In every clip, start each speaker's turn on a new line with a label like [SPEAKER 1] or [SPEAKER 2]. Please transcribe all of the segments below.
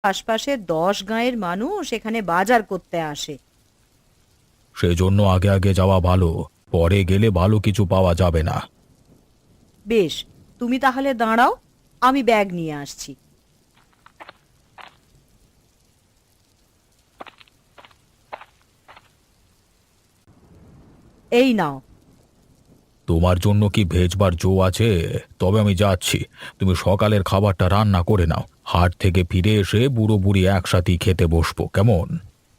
[SPEAKER 1] আশপাশের 10 গাঁয়ের মানুষ এখানে বাজার করতে আসে।
[SPEAKER 2] সেজন্য আগে আগে যাওয়া ভালো, পরে গেলে ভালো কিছু পাওয়া যাবে না।
[SPEAKER 1] বেশ, তুমি তাহলে দাঁড়াও, আমি ব্যাগ নিয়ে আসছি। এই নাও।
[SPEAKER 2] তোমার জন্য কি ভেজবার জো আছে? তবে আমি যাচ্ছি। তুমি সকালের খাবারটা রান্না করে নাও, হাট থেকে ফিরে এসে বুড়ো বুড়ি একসাথেই খেতে বসবো, কেমন?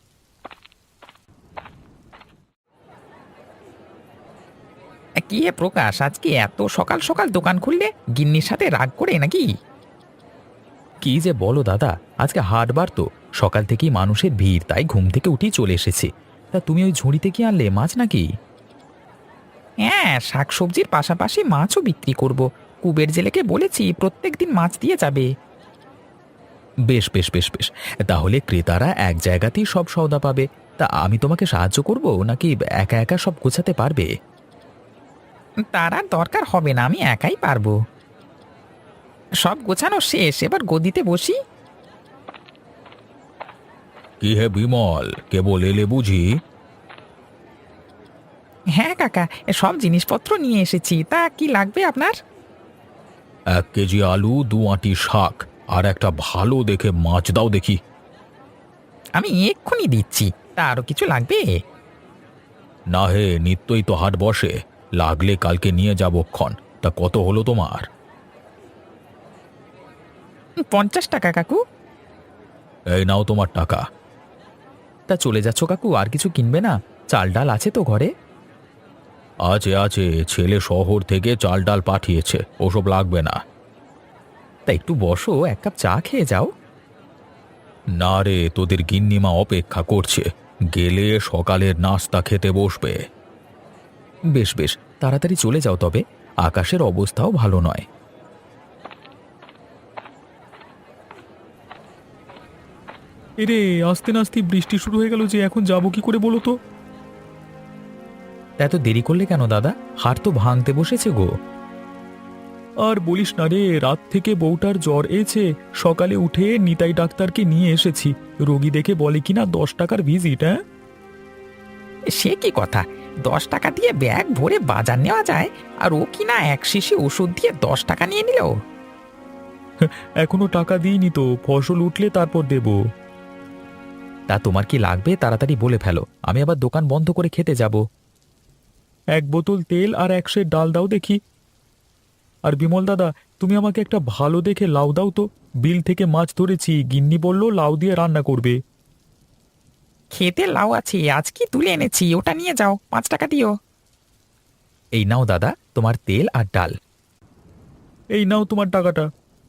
[SPEAKER 3] কি হে প্রকাশ, আজকে এত সকাল সকাল দোকান খুললে? গিন্নির সাথে রাগ করে নাকি?
[SPEAKER 2] কি যে বলো দাদা, আজকে হাটবার তো, সকাল থেকেই মানুষের ভিড়, তাই ঘুম থেকে উঠেই চলে এসেছি। তা তুমি ওই ঝুড়িতে কি আনলে, মাছ নাকি?
[SPEAKER 3] হ্যাঁ, শাকসবজির পাশাপাশি মাছও বিক্রি করব। কুবের জেলেকে বলেছি প্রত্যেক দিন মাছ দিয়ে যাবে।
[SPEAKER 2] বেশ বেশ বেশ বেশ, তাহলে ক্রেতারা এক জায়গাতেই সব সওদা পাবে। তা আমি তোমাকে সাহায্য করব নাকি একা একা সব গোছাতে পারবে?
[SPEAKER 3] তার আর দরকার হবে না, আমি একাই পারবো। সব গোছানো শেষ, এবার গদিতে বসি।
[SPEAKER 2] কি হে বিমল, কেবল এলে বুঝি?
[SPEAKER 3] হ্যাঁ কাকা, সব জিনিসপত্র নিয়ে এসেছি। তা কি লাগবে আপনার?
[SPEAKER 2] 1 কেজি আলু, 2 আঁটি শাক, আর একটা ভালো দেখে মাছ দাও দেখি।
[SPEAKER 3] আমি এক্ষুনি দিচ্ছি। তা আরো কিছু লাগবে?
[SPEAKER 2] না হে, নিত্যই তো হাট বসে, লাগলে কালকে নিয়ে যাবো ক্ষণ। তা কত হলো তোমার?
[SPEAKER 3] 50 টাকা কাকু।
[SPEAKER 2] এই নাও তোমার টাকা। তা চলে যাচ্ছ কাকু, আর কিছু কিনবে না? চাল ডাল আছে তো ঘরে? আছে আছে, ছেলে শহর থেকে চাল ডাল পাঠিয়েছে, ওসব লাগবে না। তা একটু বসো, 1 কাপ চা খেয়ে যাও। না রে, তোদের গিন্নিমা অপেক্ষা করছে, গেলে সকালের নাস্তা খেতে বসবে। বেশ বেশ, তাড়াতাড়ি চলে যাও তবে, আকাশের অবস্থাও ভালো নয়।
[SPEAKER 4] এরে, আস্তে নাস্তে বৃষ্টি শুরু হয়ে গেল যে, এখন যাবো কি করে বলো তো?
[SPEAKER 2] এত দেরি করলে কেন দাদা? হাট তো ভাঙতে বসেছে গো।
[SPEAKER 4] আর বলিস না রে, রাত থেকে বউটার জ্বর এসে সকালে উঠে নিতাই ডাক্তারকে নিয়ে এসেছি। রোগী দেখে বলে কিনা 10 টাকার ভিজিট। হ্যাঁ,
[SPEAKER 3] সে কি কথা? 10 টাকা দিয়ে ব্যাগ ভরে বাজার নেওয়া যায়, আর ও কিনা এক শিশি ওষুধ দিয়ে 10 টাকা নিয়ে নিল।
[SPEAKER 4] এখনো টাকা দিইনি তো, ফসল উঠলে তারপর দেব।
[SPEAKER 2] তা তোমার কি লাগবে তাড়াতাড়ি বলে ফেলো, আমি আবার দোকান বন্ধ করে খেতে যাব।
[SPEAKER 4] 1 বোতল তেল আর 1 সের ডাল দাও দেখি। আর বিমল দাদা, তুমি আমাকে একটা ভালো দেখে লাউ দাও তো। বিল থেকে মাছ ধরেছি, গিন্নি বলল লাউ দিয়ে রান্না করবে।
[SPEAKER 3] খেতে লাউ আছে, আজ কি তুলে এনেছি, ওটা নিয়ে যাও, 5 টাকা দিও।
[SPEAKER 2] এই নাও দাদা, তোমার তেল আর ডাল।
[SPEAKER 4] এই নাও তোমার টাকাটা।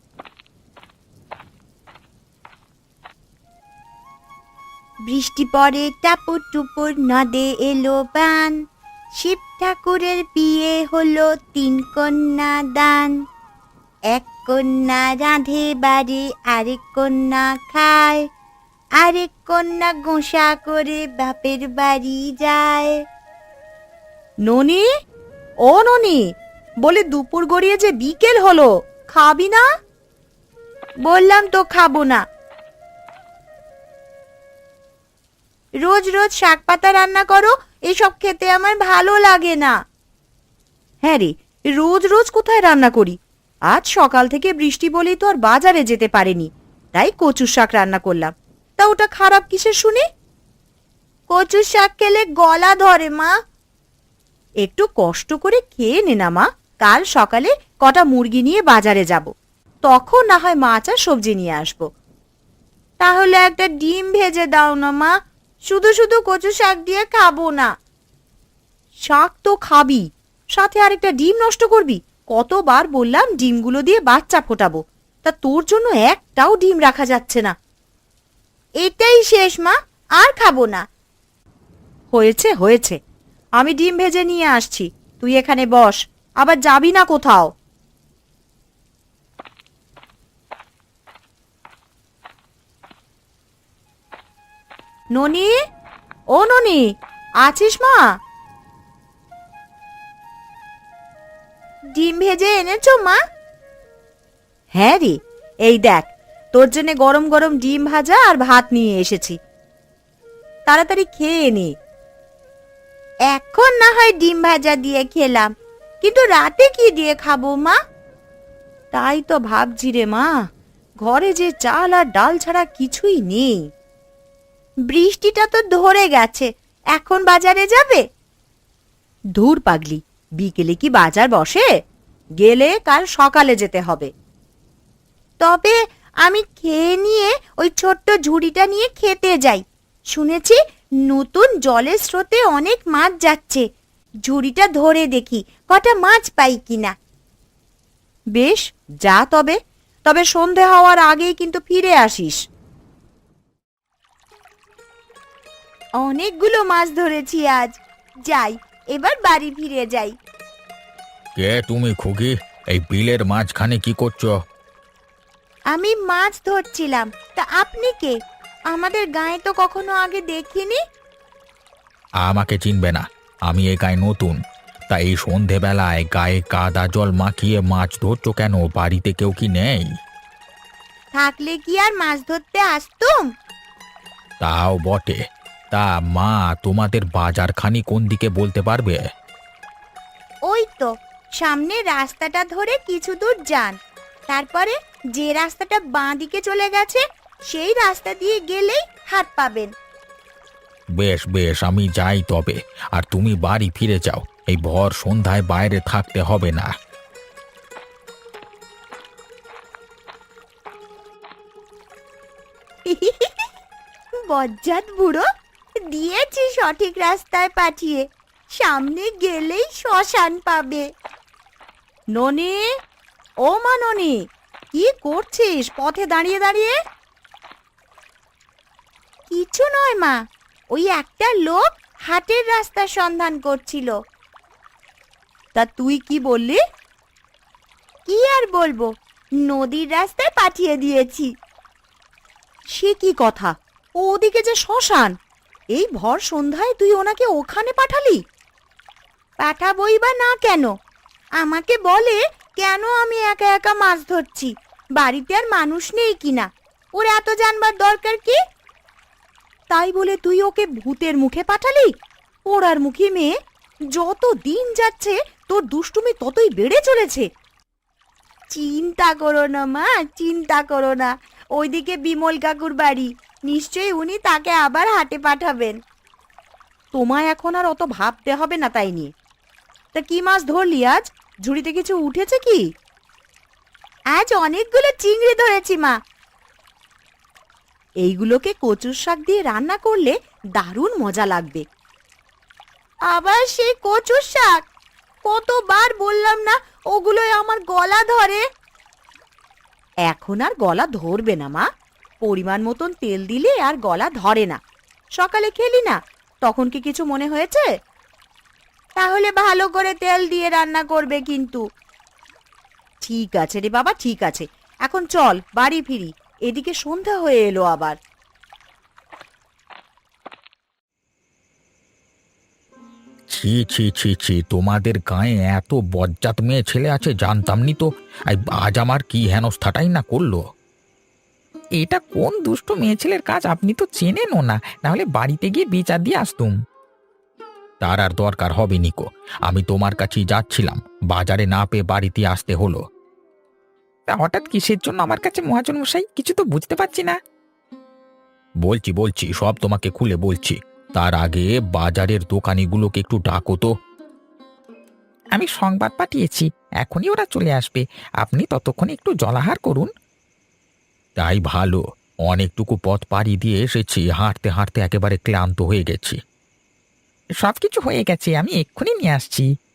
[SPEAKER 5] বৃষ্টি পড়ে টাপুর টুপুর, নদে এলো বান। শিব ঠাকুরের বিয়ে হলো 3 কন্যা দান। 1 কন্যা রাঁধে বাড়ি, আরেক কন্যা খায়, আরেক কন্যা গোসা করে বাপের বাড়ি যায়।
[SPEAKER 1] ননি, ও ননি, বলে দুপুর গড়িয়ে যে বিকেল হলো, খাবি না?
[SPEAKER 5] বললাম তো খাবো না। রোজ রোজ শাক পাতা রান্না করো, এসব খেতে আমার ভালো লাগে না।
[SPEAKER 1] হ্যাঁ রে, রোজ রোজ কোথায় রান্না করি? আজ সকাল থেকে বৃষ্টি বলেই তো আর বাজারে যেতে পারেনি, তাই কচুর শাক রান্না করলাম। তা ওটা খারাপ কিসের শুনি?
[SPEAKER 5] কচুর শাক খেলে গলা ধরে মা।
[SPEAKER 1] একটু কষ্ট করে খেয়ে নে না মা, কাল সকালে কটা মুরগি নিয়ে বাজারে যাব, তখন না হয় মাছ আর সবজি নিয়ে আসবো।
[SPEAKER 5] তাহলে একটা ডিম ভেজে দাও না মা, শুধু শুধু কচু শাক দিয়ে খাবো না।
[SPEAKER 1] শাক তো খাবি, সাথে আরেকটা ডিম নষ্ট করবি? কতবার বললাম ডিমগুলো দিয়ে বাচ্চা ফোটাবো, তা তোর জন্য একটাও ডিম রাখা যাচ্ছে না।
[SPEAKER 5] এটাই শেষ মা, আর খাবো না।
[SPEAKER 1] হয়েছে হয়েছে, আমি ডিম ভেজে নিয়ে আসছি, তুই এখানে বস, আবার যাবি না কোথাও। ননি, ও ননি, আছিস মা?
[SPEAKER 5] ডিম ভেজে এনেছো মা?
[SPEAKER 1] হ্যাঁ রে, এই দেখ, তোর জন্য গরম গরম ডিম ভাজা আর ভাত নিয়ে এসেছি, তাড়াতাড়ি খেয়ে নে।
[SPEAKER 5] এখন না হয় ডিম ভাজা দিয়ে খেলাম, কিন্তু রাতে কি দিয়ে খাবো মা?
[SPEAKER 1] তাই তো ভাবছি রে মা, ঘরে যে চাল আর ডাল ছাড়া কিছুই নেই।
[SPEAKER 5] বৃষ্টিটা তো ধরে গেছে, এখন বাজারে যাবে?
[SPEAKER 1] ধুর পাগলি, বিকেলে কি বাজার বসে? গেলে কাল সকালে যেতে হবে।
[SPEAKER 5] তবে আমি খেয়ে নিয়ে ওই ছোট্ট ঝুড়িটা নিয়ে খেতে যাই। শুনেছি নতুন জলের স্রোতে অনেক মাছ যাচ্ছে, ঝুড়িটা ধরে দেখি কটা মাছ পাই কিনা।
[SPEAKER 1] বেশ, যা তবে, তবে সন্ধে হওয়ার আগেই কিন্তু ফিরে আসিস।
[SPEAKER 5] অনেকগুলো মাছ ধরেছি আজ, যাই এবার বাড়ি ফিরে যাই।
[SPEAKER 2] কে তুমি খুকি? এই বিলের মাঝখানে কি করছো?
[SPEAKER 5] আমি মাছ ধরছিলাম, তা আপনি কে? আমাদের গায়ে তো কখনো আগে দেখিনি।
[SPEAKER 2] আমাকে চিনবে না, আমি এই গায়ে নতুন। তাই এই সন্ধেবেলায় গায়ে কাদা জল মাখিয়ে মাছ ধরছো কেন? বাড়িতে কেউ কি নেই?
[SPEAKER 5] থাকলে কি আর মাছ ধরতে আসতুম?
[SPEAKER 2] তাও বটে। তা মা, তোমাদের বাজারখানি কোন দিকে বলতে পারবে?
[SPEAKER 5] ওই তো সামনে রাস্তাটা ধরে কিছু দূর যান, তারপরে যে রাস্তাটা বাঁ দিকে চলে গেছে সেই রাস্তা দিয়ে গেলেই হাট পাবেন।
[SPEAKER 2] বেশ বেশ, আমি যাই তবে। আর তুমি বাড়ি ফিরে যাও, এই ভর সন্ধ্যায় বাইরে থাকতে হবে না।
[SPEAKER 5] বজ্জাত বুড়ো, দিয়েছি সঠিক রাস্তায় পাঠিয়ে, সামনে গেলেই শ্মশান পাবে।
[SPEAKER 1] ননি, ও মা ননি, কি করছিস পথে দাঁড়িয়ে দাঁড়িয়ে?
[SPEAKER 5] কিছু নয় মা, ওই একটা লোক হাটের রাস্তার সন্ধান করছিল।
[SPEAKER 1] তা তুই কি বললি?
[SPEAKER 5] কি আর বলবো, নদীর রাস্তায় পাঠিয়ে দিয়েছি।
[SPEAKER 1] সে কি কথা? ও ওদিকে যে শ্মশান, এই ভর সন্ধ্যায় তুই ওনাকে ওখানে পাঠালি?
[SPEAKER 5] পাঠাবই বা না কেন? আমাকে বলে কেন আমি একা একা মাছ ধরছি, বাড়িতে আর মানুষ নেই কিনা, ওর এত জানবার দরকার কি?
[SPEAKER 1] তাই বলে তুই ওকে ভূতের মুখে পাঠালি? পোড়ার মুখী মেয়ে, যত দিন যাচ্ছে তোর দুষ্টুমি ততই বেড়ে চলেছে।
[SPEAKER 5] চিন্তা করো না মা, চিন্তা করো না, ওইদিকে বিমল কাকুর বাড়ি, নিশ্চয়ই উনি তাকে আবার হাটে পাঠাবেন।
[SPEAKER 1] তোমায় এখন আর অত ভাবতে হবে না তাই নিয়ে। তা কি মাছ ধরলি আজ? ঝুড়িতে কিছু উঠেছে কি?
[SPEAKER 5] আজ অনেকগুলো চিংড়ি ধরেছি মা।
[SPEAKER 1] এইগুলোকে কচুর শাক দিয়ে রান্না করলে দারুণ মজা লাগবে।
[SPEAKER 5] আবার সেই কচুর শাক? কতবার বললাম না ওগুলোই আমার গলা ধরে।
[SPEAKER 1] এখন আর গলা ধরবে না মা, পরিমাণ মতন তেল দিলে আর গলা ধরে না। সকালে খেলি না, তখন কি কিছু মনে হয়েছে?
[SPEAKER 5] তাহলে ভালো করে তেল দিয়ে রান্না করবে কিন্তু।
[SPEAKER 1] ঠিক আছে রে বাবা, ঠিক আছে, এখন চল বাড়ি ফিরি, এদিকে সন্ধ্যা হয়ে এলো আবার।
[SPEAKER 2] ছি ছি ছি ছি, তোমাদের গায়ে এত বজ্জাত মেয়ে ছেলে আছে জানতাম নি তো। আজ আমার কি হেনস্থাটাই না করলো।
[SPEAKER 3] এটা কোন দুষ্ট মেয়ে ছেলের কাজ আপনি তো চেনেনও না, নাহলে বাড়িতে গিয়ে বিচার দিয়ে আসতুম।
[SPEAKER 2] তার আর দরকার হবে নিকো, আমি তোমার কাছেই যাচ্ছিলাম, বাজারে না পেয়ে বাড়িতে আসতে হলো।
[SPEAKER 3] তা হঠাৎ কিসের জন্য আমার কাছে মহাজন মশাই, কিছু তো বুঝতে পারছি না।
[SPEAKER 2] বলছি বলছি, সব তোমাকে খুলে বলছি। তার আগে বাজারের দোকানিগুলোকে একটু ডাকো তো।
[SPEAKER 3] আমি সংবাদ পাঠিয়েছি, এখনই ওরা চলে আসবে, আপনি ততক্ষণে একটু জলাহার করুন।
[SPEAKER 2] তাই ভালো, অনেকটুকু পথ পাড়ি দিয়ে এসেছি, হাঁটতে হাঁটতে একেবারে ক্লান্ত হয়ে গেছি।
[SPEAKER 3] সবকিছু হয়ে গেছে, আমি এক্ষুনি নিয়ে আসছি।